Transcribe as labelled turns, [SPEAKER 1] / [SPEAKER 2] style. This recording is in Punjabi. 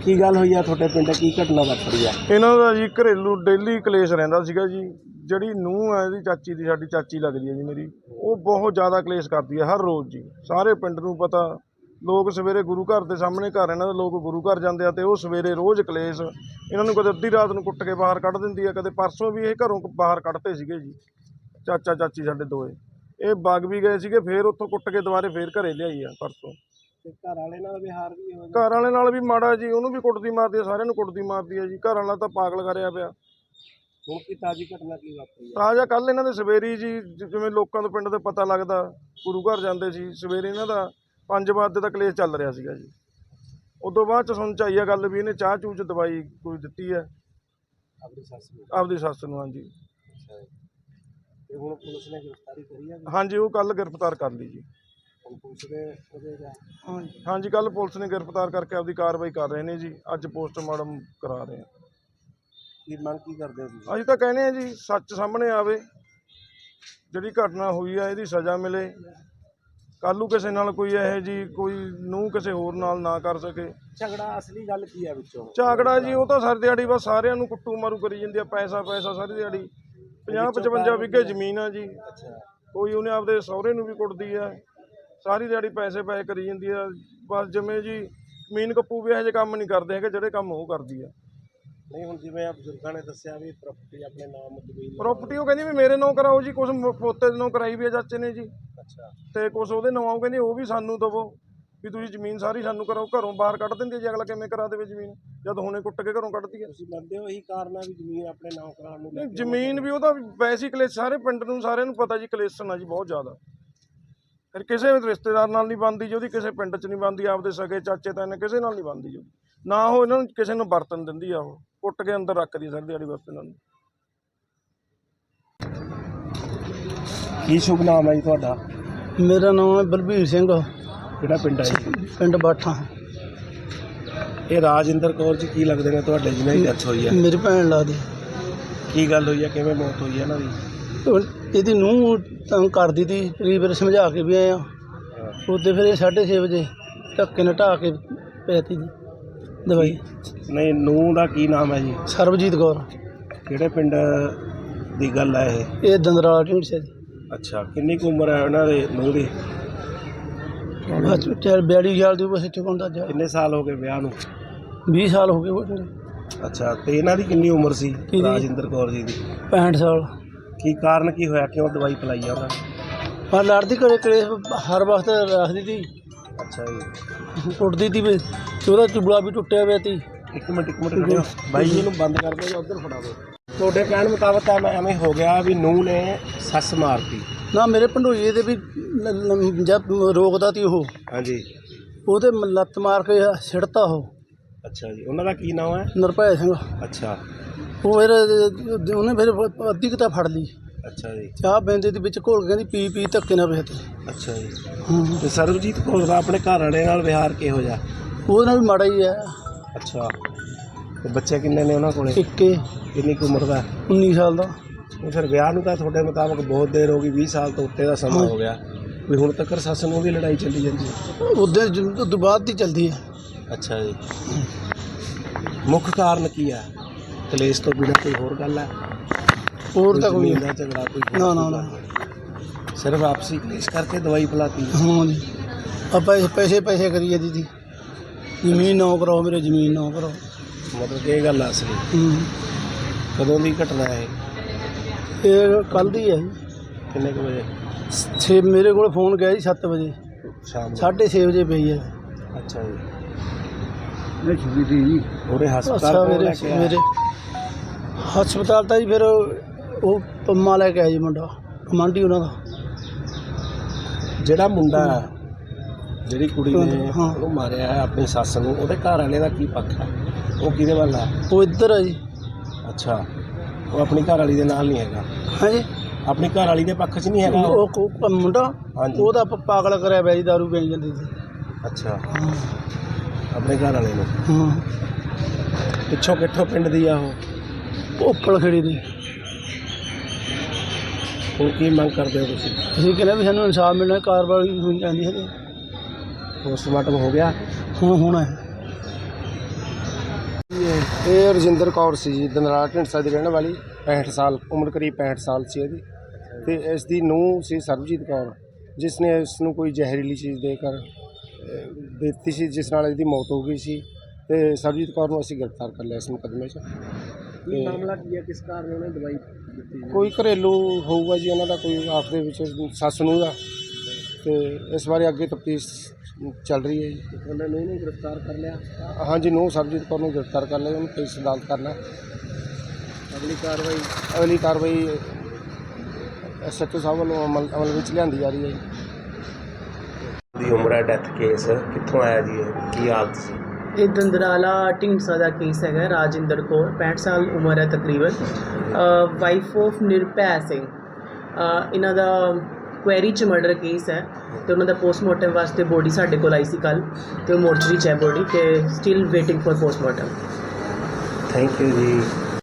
[SPEAKER 1] की गल हुई है तुहाडे पिंड की घटना वापरी है?
[SPEAKER 2] इन्हां दा जी घरेलू डेली कलेश रहिंदा सीगा जी। ਜਿਹੜੀ ਨੂੰਹ है ਇਹਦੀ ਚਾਚੀ ਦੀ ਸਾਡੀ ਚਾਚੀ ਲੱਗਦੀ है जी मेरी, ਉਹ ਬਹੁਤ ਜ਼ਿਆਦਾ ਕਲੇਸ਼ ਕਰਦੀ है हर रोज़ जी। ਸਾਰੇ ਪਿੰਡ ਨੂੰ ਪਤਾ, ਲੋਕ ਸਵੇਰੇ ਗੁਰੂ ਘਰ ਦੇ ਸਾਹਮਣੇ ਘਰ ਇਹਨਾਂ ਦੇ ਲੋਕ ਗੁਰੂ ਘਰ ਜਾਂਦੇ ਆ ਤੇ ਉਹ ਸਵੇਰੇ ਰੋਜ਼ ਕਲੇਸ਼। ਇਹਨਾਂ ਨੂੰ ਕਦੇ ਅੱਧੀ ਰਾਤ ਨੂੰ ਕੁੱਟ ਕੇ ਬਾਹਰ ਕੱਢ ਦਿੰਦੀ ਹੈ, ਕਦੇ ਪਰਸੋਂ ਵੀ ਇਹ ਘਰੋਂ ਬਾਹਰ ਕੱਢਤੇ ਸੀਗੇ ਜੀ ਚਾਚਾ ਚਾਚੀ ਸਾਡੇ ਦੋਏ। ਇਹ ਵਗ ਵੀ ਗਏ ਸੀਗੇ, ਫਿਰ ਉੱਥੋਂ ਕੁੱਟ ਕੇ ਦੁਬਾਰੇ ਫਿਰ ਘਰੇ ਲਿਆਈ ਆ ਪਰਸੋਂ।
[SPEAKER 1] घर वाले नाल विहार भी हो
[SPEAKER 2] ਘਰ ਵਾਲੇ ਨਾਲ ਵੀ ਮਾੜਾ ਜੀ, ਉਹਨੂੰ ਵੀ ਕੁੱਟਦੀ ਮਾਰਦੀ ਹੈ, ਸਾਰਿਆਂ ਨੂੰ ਕੁੱਟਦੀ ਮਾਰਦੀ ਹੈ ਜੀ। ਘਰ ਵਾਲਾ ਤਾਂ ਪਾਗਲ ਕਰਿਆ ਪਿਆ।
[SPEAKER 1] ਹੁਣ की ताजी घटना की वापरी है?
[SPEAKER 2] ਤਾਜ਼ਾ ਕੱਲ੍ਹ ਇਹਨਾਂ ਦੇ ਸਵੇਰੀ ਜੀ ਜਿਵੇਂ ਲੋਕਾਂ ਤੋਂ ਪਿੰਡ ਦੇ ਪਤਾ ਲੱਗਦਾ, ਗੁਰੂ ਘਰ ਜਾਂਦੇ ਸੀ ਸਵੇਰੇ, ਇਹਨਾਂ ਦਾ 5 ਵਜੇ ਦਾ ਕਲੇਸ਼ ਚੱਲ ਰਿਹਾ ਸੀਗਾ ਜੀ। ਉਦੋਂ ਬਾਅਦ ਚ ਸੁਣ ਚ ਆਈ ਆ ਗੱਲ ਵੀ ਇਹਨੇ ਚਾਹ ਚੂਹ ਚ ਦਵਾਈ ਕੋਈ ਦਿੱਤੀ ਹੈ ਆਪਦੀ ਸੱਸ ਨੂੰ। ਹਾਂਜੀ
[SPEAKER 1] ਤੇ ਹੁਣ ਪੁਲਿਸ ਨੇ गिरफ्तारी करी है?
[SPEAKER 2] ਹਾਂਜੀ, ਉਹ ਕੱਲ੍ਹ ਗ੍ਰਿਫਤਾਰ ਕਰ ਲਈ ਜੀ।
[SPEAKER 1] पुलिस ने
[SPEAKER 2] ਹਾਂਜੀ, ਕੱਲ੍ਹ ਪੁਲਿਸ ਨੇ ਗ੍ਰਿਫਤਾਰ ਕਰਕੇ ਆਪਦੀ ਕਾਰਵਾਈ ਕਰ ਰਹੇ ਨੇ ਜੀ। ਅੱਜ ਪੋਸਟਮਾਰਟਮ ਕਰਾ ਰਹੇ ਆ।
[SPEAKER 1] की मंग की करते हो?
[SPEAKER 2] ਅਸੀਂ ਤਾਂ ਕਹਿੰਦੇ ਆ ਜੀ ਸੱਚ ਸਾਹਮਣੇ ਆਵੇ, ਜਿਹੜੀ ਘਟਨਾ ਹੋਈ ਆ ਇਹਦੀ ਸਜ਼ਾ ਮਿਲੇ। ਕੱਲ੍ਹ ਨੂੰ ਕਿਸੇ ਨਾਲ ਕੋਈ ਇਹੋ ਜੀ ਕੋਈ ਨੂੰਹ ਕਿਸੇ ਹੋਰ ਨਾਲ ਨਾ ਕਰ ਸਕੇ।
[SPEAKER 1] झगड़ा असली गल की है विचों?
[SPEAKER 2] ਝਾਗੜਾ ਜੀ ਉਹ ਤਾਂ ਸਾਰੀ ਦਿਹਾੜੀ ਬਸ ਸਾਰਿਆਂ ਨੂੰ ਕੁੱਟੂ ਮਾਰੂ ਕਰੀ ਜਾਂਦੀ ਆ, ਪੈਸਾ ਪੈਸਾ ਸਾਰੀ ਦਿਹਾੜੀ। 50-55 ਵਿਗੇ ਜ਼ਮੀਨ ਆ ਜੀ।
[SPEAKER 1] अच्छा,
[SPEAKER 2] ਕੋਈ ਉਹਨੇ ਆਪਦੇ ਸਹੁਰੇ ਨੂੰ ਵੀ ਕੁੱਟਦੀ ਆ, ਸਾਰੀ ਦਿਹਾੜੀ ਪੈਸੇ ਕਰੀ ਜਾਂਦੀ ਆ। ਬਸ ਜਿਵੇਂ ਜੀ ਜ਼ਮੀਨ ਕੱਪੂ ਵੀ ਇਹੋ ਜਿਹੇ ਕੰਮ ਨਹੀਂ ਕਰਦੇ ਹੈਗੇ ਜਿਹੜੇ ਕੰਮ ਉਹ ਕਰਦੀ ਆ।
[SPEAKER 1] नहीं हुण जिवें आप बुजुर्गां ने दस्सिया भी प्रॉपर्टी अपने नाम जमीन
[SPEAKER 2] ਪ੍ਰੋਪਰਟੀ ਉਹ ਕਹਿੰਦੀ ਵੀ ਮੇਰੇ ਨਾਂ ਕਰਾਓ ਜੀ, ਕੁਛ ਪੋਤੇ ਦੇ ਨਾਂ ਕਰਾਈ ਵੀ ਆ ਚਾਚੇ ਨੇ ਜੀ,
[SPEAKER 1] अच्छा
[SPEAKER 2] ਤੇ ਕੁਛ ਉਹਦੇ ਨਾਂ ਉਹ ਕਹਿੰਦੀ ਉਹ ਵੀ ਸਾਨੂੰ ਦੇਵੋ ਵੀ ਤੁਸੀਂ ਜ਼ਮੀਨ ਸਾਰੀ ਸਾਨੂੰ ਕਰਾਓ। ਘਰੋਂ ਬਾਹਰ ਕੱਢ ਦਿੰਦੀ ਹੈ ਜੀ, ਅਗਲਾ ਕਿਵੇਂ ਕਰਾ ਦੇਵੇ ਜ਼ਮੀਨ ਜਦ ਹੁਣੇ ਕੁੱਟ ਕੇ ਘਰੋਂ ਕੱਢਦੀ ਹੈ।
[SPEAKER 1] ਤੁਸੀਂ ਮੰਨਦੇ ਹੋ ਇਹੀ ਕਾਰਨ ਹੈ ਵੀ ਜ਼ਮੀਨ ਆਪਣੇ ਨਾਮ ਕਰਾਉਣ ਨੂੰ ਲੈ ਕੇ?
[SPEAKER 2] ਜ਼ਮੀਨ ਵੀ ਉਹਦਾ ਵੈਸੇ ਹੀ ਕਲੇਸ਼, ਸਾਰੇ ਪਿੰਡ ਨੂੰ ਸਾਰਿਆਂ ਨੂੰ ਪਤਾ ਜੀ ਕਲੇਸ਼ਨ ਆ ਜੀ ਬਹੁਤ ਜ਼ਿਆਦਾ। ਫਿਰ ਕਿਸੇ ਵੀ ਰਿਸ਼ਤੇਦਾਰ ਨਾਲ ਨਹੀਂ ਬਣਦੀ ਜੀ ਉਹਦੀ, ਕਿਸੇ ਪਿੰਡ 'ਚ ਨਹੀਂ ਬਣਦੀ, ਆਪਦੇ ਸਕੇ ਚਾਚੇ ਤਾਏ ਨੇ ਕਿਸੇ ਨਾਲ ਨਹੀਂ ਬਣਦੀ ਜੀ। ਨਾ ਉਹ ਇਹਨਾਂ ਨੂੰ ਕਿਸੇ ਨੂੰ ਵਰਤਨ ਦਿੰਦੀ ਆ, ਉਹ ਕੁੱਟ ਕੇ ਅੰਦਰ ਰੱਖਦੀ ਸਾਰੀ ਦਿਹਾੜੀ ਬਸ ਇਹਨਾਂ ਨੂੰ।
[SPEAKER 1] ਕੀ ਸ਼ੁਭ ਨਾਮ ਹੈ ਜੀ ਤੁਹਾਡਾ?
[SPEAKER 3] ਮੇਰਾ ਨਾਮ ਹੈ ਬਲਬੀਰ ਸਿੰਘ,
[SPEAKER 1] ਕਿਹੜਾ ਪਿੰਡ ਹੈ ਜੀ?
[SPEAKER 3] ਪਿੰਡ ਬਾਠਾ।
[SPEAKER 1] ਇਹ ਰਾਜਿੰਦਰ ਕੌਰ ਜੀ ਕੀ ਲੱਗਦੇ ਨੇ ਤੁਹਾਡੇ ਜਿਹਨਾਂ ਦੀ ਡੈਥ ਹੋਈ ਹੈ?
[SPEAKER 3] ਮੇਰੀ ਭੈਣ ਲੱਗਦੀ।
[SPEAKER 1] ਕੀ ਗੱਲ ਹੋਈ ਹੈ, ਕਿਵੇਂ ਮੌਤ ਹੋਈ ਹੈ ਇਹਨਾਂ ਦੀ?
[SPEAKER 3] ਇਹਦੀ ਨੂੰਹ ਤੰਗ ਕਰਦੀ ਤੀ, ਕਈ ਵਾਰ ਸਮਝਾ ਕੇ ਵੀ ਆਏ ਆ। ਉੱਤੇ ਫਿਰ ਇਹ 6:30 ਵਜੇ ਧੱਕੇ ਨਾਲ ਢਾਹ ਕੇ ਪੈਤੀ ਜੀ ਦਵਾਈ।
[SPEAKER 1] ਨਹੀਂ, ਨੂੰਹ ਦਾ ਕੀ ਨਾਮ ਹੈ ਜੀ?
[SPEAKER 3] ਸਰਬਜੀਤ ਕੌਰ।
[SPEAKER 1] ਕਿਹੜੇ ਪਿੰਡ ਦੀ ਗੱਲ ਹੈ ਇਹ?
[SPEAKER 3] ਇਹ ਦੰਦਰਾਲਾ ਢੀਂਡਸਾ ਜੀ।
[SPEAKER 1] ਅੱਛਾ, ਕਿੰਨੀ ਕੁ ਉਮਰ ਹੈ ਉਹਨਾਂ ਦੇ ਨੂੰਹ ਦੀ?
[SPEAKER 3] 42 ਸਾਲ ਦੀ ਬਸ ਇੱਥੇ ਕੋਲ ਜਾ।
[SPEAKER 1] ਕਿੰਨੇ ਸਾਲ ਹੋ ਗਏ ਵਿਆਹ ਨੂੰ?
[SPEAKER 3] 20 ਸਾਲ ਹੋ ਗਏ।
[SPEAKER 1] ਅੱਛਾ, ਤੇ ਇਹਨਾਂ ਦੀ ਕਿੰਨੀ ਉਮਰ ਸੀ
[SPEAKER 3] ਕਿਹਦੀ?
[SPEAKER 1] ਰਾਜਿੰਦਰ ਕੌਰ ਜੀ ਦੀ?
[SPEAKER 3] 65 ਸਾਲ।
[SPEAKER 1] ਕੀ ਕਾਰਨ ਕੀ ਹੋਇਆ, ਕਿਉਂ ਦਵਾਈ ਪਿਲਾਈ ਆ ਉਹਨਾਂ ਨੇ?
[SPEAKER 3] ਪਰ ਲੜਦੀ ਘਰੇ ਕਲੇਸ਼ ਹਰ ਵਕਤ ਰੱਖਦੀ ਤੀ,
[SPEAKER 1] ਅੱਛਾ ਜੀ,
[SPEAKER 3] ਕੁੱਟਦੀ ਤੀ ਵੀ, ਤੇ ਉਹਦਾ ਚੁਬਲਾ ਵੀ ਟੁੱਟਿਆ ਹੋਇਆ ਤੀ।
[SPEAKER 1] ਇੱਕ ਮਿੰਟ ਖੜਿਓ ਬਾਈ ਜੀ ਨੂੰ ਬੰਦ ਕਰ ਦਿਓ ਜਾਂ ਉੱਧਰ ਫੜਾ ਦਿਓ। ਤੁਹਾਡੇ ਕਹਿਣ ਮੁਤਾਬਕ ਤਾਂ ਐਵੇਂ ਹੋ ਗਿਆ ਵੀ ਨੂੰਹ ਨੇ ਸੱਸ ਮਾਰਤੀ?
[SPEAKER 3] ਨਾ, ਮੇਰੇ ਭੰਡੋਈਏ ਦੇ ਵੀ ਜਦ ਰੋਕਦਾ ਤੀ ਉਹ,
[SPEAKER 1] ਹਾਂਜੀ,
[SPEAKER 3] ਉਹਦੇ ਲੱਤ ਮਾਰ ਕੇ ਸਿੱਟਤਾ ਉਹ।
[SPEAKER 1] ਅੱਛਾ ਜੀ, ਉਹਨਾਂ ਦਾ ਕੀ ਨਾਮ ਹੈ?
[SPEAKER 3] ਨਿਰਭੈ ਸਿੰਘ।
[SPEAKER 1] ਅੱਛਾ
[SPEAKER 3] ਉਹ ਫਿਰ ਉਹਨੇ ਫਿਰ ਅੱਧੀ ਕਿਤਾ ਫੜ ਲਈ,
[SPEAKER 1] ਅੱਛਾ ਜੀ,
[SPEAKER 3] ਚਾਹ ਬੈਂਦੇ ਦੇ ਵਿੱਚ ਘੋਲ ਕੇ ਕਹਿੰਦੀ ਪੀ ਪੀ ਧੱਕੇ ਨਾਲ ਵੇਚ।
[SPEAKER 1] ਅੱਛਾ ਜੀ।
[SPEAKER 3] ਹਾਂ,
[SPEAKER 1] ਤੇ ਸਰਬਜੀਤ ਕੌਰ ਦਾ ਆਪਣੇ ਘਰ ਵਾਲੇ ਨਾਲ ਵਿਹਾਰ ਕਿਹੋ ਜਿਹਾ?
[SPEAKER 3] ਉਹਦੇ ਨਾਲ ਵੀ ਮਾੜਾ ਹੀ ਹੈ।
[SPEAKER 1] ਅੱਛਾ, ਤੇ ਬੱਚੇ ਕਿੰਨੇ ਨੇ ਉਹਨਾਂ ਕੋਲੇ?
[SPEAKER 3] ਇੱਕੇ।
[SPEAKER 1] ਕਿੰਨੀ ਕੁ ਉਮਰ ਦਾ?
[SPEAKER 3] 19 ਸਾਲ ਦਾ।
[SPEAKER 1] ਉਹ ਫਿਰ ਵਿਆਹ ਨੂੰ ਤਾਂ ਤੁਹਾਡੇ ਮੁਤਾਬਕ ਬਹੁਤ ਦੇਰ ਹੋ ਗਈ, 20 ਸਾਲ ਤੋਂ ਉੱਤੇ ਦਾ ਸਮਾਂ ਹੋ ਗਿਆ, ਵੀ ਹੁਣ ਤੱਕ ਸੱਸ ਨੂੰ ਵੀ ਲੜਾਈ ਚੱਲੀ ਜਾਂਦੀ ਹੈ?
[SPEAKER 3] ਉਹਦੇ ਤੋਂ ਬਾਅਦ ਦੀ ਚੱਲਦੀ ਹੈ।
[SPEAKER 1] ਅੱਛਾ ਜੀ, ਮੁੱਖ ਕਾਰਨ ਕੀ ਹੈ? ਕਲੇਸ਼ ਤੋਂ ਬਿਨਾਂ ਕੋਈ ਹੋਰ ਗੱਲ ਹੈ?
[SPEAKER 3] ਹੋਰ ਤਾਂ ਕੋਈ
[SPEAKER 1] ਜ਼ਮੀਨ ਦਾ ਝਗੜਾ ਕੋਈ ਹੋਰ
[SPEAKER 3] ਨਾ ਨਾ ਨਾ।
[SPEAKER 1] ਸਿਰਫ ਆਪਸੀ ਕਲੇਸ਼ ਕਰਕੇ ਦਵਾਈ ਪਿਲਾਤੀ?
[SPEAKER 3] ਹਾਂ ਜੀ, ਆਪਾਂ ਪੈਸੇ ਪੈਸੇ ਕਰੀ ਜਾਂਦੀ ਸੀ, ਜ਼ਮੀਨ ਨਾ ਕਰਾਓ ਮੇਰੇ, ਜ਼ਮੀਨ ਨਾ ਕਰਾਓ।
[SPEAKER 1] ਮਤਲਬ ਕਿ ਇਹ ਗੱਲ ਆ ਅਸਲੀ? ਕਦੋਂ ਦੀ ਘਟਨਾ ਹੈ
[SPEAKER 3] ਇਹ ਕੱਲ੍ਹ ਦੀ ਹੈ ਜੀ।
[SPEAKER 1] ਕਿੰਨੇ ਕੁ ਵਜੇ?
[SPEAKER 3] 6 ਮੇਰੇ ਕੋਲ ਫੋਨ ਗਿਆ ਜੀ 7 ਵਜੇ,
[SPEAKER 1] ਸ਼ਾਮ ਨੂੰ?
[SPEAKER 3] 6:30 ਵਜੇ ਪਈ ਹੈ।
[SPEAKER 1] ਅੱਛਾ ਜੀ,
[SPEAKER 3] ਜੀ
[SPEAKER 1] ਉਹਦੇ ਹਸਪਤਾਲ
[SPEAKER 3] ਅੱਛਾ।
[SPEAKER 1] ਕੋਲ
[SPEAKER 3] ਮੇਰੇ
[SPEAKER 1] ਲੈ ਕੇ ਆਇਆ?
[SPEAKER 3] ਮੇਰੇ ਹਸਪਤਾਲ ਤਾਂ ਜੀ ਫਿਰ ਉਹ ਪੰਮਾ ਲੈ ਕੇ ਆਇਆ ਜੀ, ਮੁੰਡਾ ਕਮਾਂਡੀ ਉਹਨਾਂ ਦਾ।
[SPEAKER 1] ਜਿਹੜਾ ਮੁੰਡਾ ਜਿਹੜੀ ਕੁੜੀ ਨੇ
[SPEAKER 3] ਹਾਂ।
[SPEAKER 1] ਉਹਨੂੰ ਮਾਰਿਆ ਹੈ ਆਪਣੀ ਸੱਸ ਨੂੰ, ਉਹਦੇ ਘਰ ਵਾਲੇ ਦਾ ਕੀ ਪੱਖ ਹੈ? ਉਹ ਕਿਹਦੇ ਵੱਲ ਹੈ?
[SPEAKER 3] ਉਹ ਇੱਧਰ ਹੈ ਜੀ।
[SPEAKER 1] ਅੱਛਾ, ਉਹ ਆਪਣੀ ਘਰ ਵਾਲੀ ਦੇ ਨਾਲ ਨਹੀਂ ਹੈਗਾ?
[SPEAKER 3] ਹਾਂਜੀ,
[SPEAKER 1] ਆਪਣੀ ਘਰ ਵਾਲੀ ਦੇ ਪੱਖ 'ਚ ਨਹੀਂ ਹੈਗਾ ਉਹ?
[SPEAKER 3] ਉਹ ਮੁੰਡਾ
[SPEAKER 1] ਹਾਂਜੀ।
[SPEAKER 3] ਉਹਦਾ ਪਾਗਲ ਕਰਿਆ ਪਿਆ ਜੀ, ਦਾਰੂ ਪੀਣ ਜਾਂਦੀ ਸੀ।
[SPEAKER 1] ਅੱਛਾ,
[SPEAKER 3] ਹਾਂ
[SPEAKER 1] ਆਪਣੇ ਘਰ ਵਾਲੇ ਨੂੰ?
[SPEAKER 3] ਹਾਂ।
[SPEAKER 1] ਪਿੱਛੋਂ ਕਿੱਥੋਂ ਪਿੰਡ ਦੀ ਆ ਉਹ?
[SPEAKER 3] ਉੱਪਲ ਖੜੀ ਦੀ।
[SPEAKER 1] ਹੁਣ ਕੀ ਮੰਗ ਕਰਦੇ ਹੋ ਤੁਸੀਂ?
[SPEAKER 3] ਅਸੀਂ ਕਹਿੰਦੇ ਵੀ ਸਾਨੂੰ ਇਨਸਾਫ ਮਿਲਣਾ, ਕਾਰਵਾਈ ਹੋਣੀ ਚਾਹੀਦੀ ਹੈ।
[SPEAKER 1] ਪੋਸਟਮਾਰਟਮ ਹੋ ਗਿਆ?
[SPEAKER 3] ਹੁਣ ਹੋਣਾ ਹੈ। ਜੀ
[SPEAKER 1] ਇਹ ਰਜਿੰਦਰ ਕੌਰ ਸੀ ਜੀ, ਦਨਰਾਲਾ ਢੀਂਡਸਾ ਦੀ ਰਹਿਣ ਵਾਲੀ, 65 ਸਾਲ ਉਮਰ, ਕਰੀਬ 65 ਸਾਲ ਸੀ ਇਹਦੀ। ਤੇ ਇਸ ਦੀ ਨੂੰਹ ਸੀ ਸਰਬਜੀਤ ਕੌਰ, ਜਿਸ ਨੇ ਇਸ ਨੂੰ ਕੋਈ ਜ਼ਹਿਰੀਲੀ ਚੀਜ਼ ਦੇ ਕਰ ਦਿੱਤੀ ਸੀ, ਜਿਸ ਨਾਲ ਇਹਦੀ ਮੌਤ ਹੋ ਗਈ ਸੀ। ਤੇ ਸਰਬਜੀਤ ਕੌਰ ਨੂੰ ਅਸੀਂ ਗ੍ਰਿਫਤਾਰ ਕਰ ਲਿਆ ਇਸ ਮੁਕੱਦਮੇ 'ਚ।
[SPEAKER 3] ਕੀ ਮਾਮਲਾ ਕੀ ਹੈ, ਕਿਸ ਕਾਰਨ ਉਹਨੇ ਦਵਾਈ ਦਿੱਤੀ ਜੀ?
[SPEAKER 1] ਕੋਈ ਘਰੇਲੂ ਹੋਊਗਾ ਜੀ ਉਹਨਾਂ ਦਾ, ਕੋਈ ਆਪਸ ਦੇ ਵਿੱਚ ਸੱਸ ਨੂੰਹ ਦਾ, ਤੇ ਇਸ ਬਾਰੇ ਅੱਗੇ ਤਫਤੀਸ਼ ਚੱਲ ਰਹੀ ਹੈ ਜੀ।
[SPEAKER 3] ਉਹਨਾਂ ਨੂੰ ਇਹਨੂੰ ਗ੍ਰਿਫਤਾਰ ਕਰ ਲਿਆ।
[SPEAKER 1] ਹਾਂਜੀ, ਨੂੰਹ ਸਰਬਜੀਤ ਕੌਰ ਨੂੰ ਗ੍ਰਿਫਤਾਰ ਕਰ ਲਿਆ, ਉਹਨੂੰ ਪੁਲਿਸ ਅਦਾਲਤ ਕਰਨਾ। ਅਗਲੀ ਕਾਰਵਾਈ SHO ਸਾਹਿਬ ਵੱਲੋਂ ਅਮਲ ਵਿੱਚ ਲਿਆਂਦੀ ਜਾ ਰਹੀ ਹੈ ਜੀ।
[SPEAKER 4] ਦੀ ਉਮਰ ਹੈ, ਡੈਥ ਕੇਸ ਕਿੱਥੋਂ ਆਇਆ ਜੀ, ਇਹ ਕੀ ਹਾਲਤ ਸੀ?
[SPEAKER 5] ਇਹ ਦੰਦਰਾਲਾ ਢੀਂਡਸਾ ਦਾ ਕੇਸ ਹੈਗਾ। ਰਾਜਿੰਦਰ ਕੌਰ 65 ਸਾਲ ਉਮਰ ਹੈ ਤਕਰੀਬਨ, ਵਾਈਫ ਆਫ ਨਿਰਭੈ ਸਿੰਘ। ਇਹਨਾਂ ਦਾ ਕੁਐਰੀ 'ਚ ਮਰਡਰ ਕੇਸ ਹੈ ਅਤੇ ਉਹਨਾਂ ਦਾ ਪੋਸਟਮਾਰਟਮ ਵਾਸਤੇ ਬੋਡੀ ਸਾਡੇ ਕੋਲ ਆਈ ਸੀ ਕੱਲ੍ਹ, ਅਤੇ ਉਹ ਮੋਰਚਰੀ 'ਚ ਹੈ ਬੋਡੀ, ਅਤੇ still waiting for postmortem.
[SPEAKER 4] Thank you ਜੀ।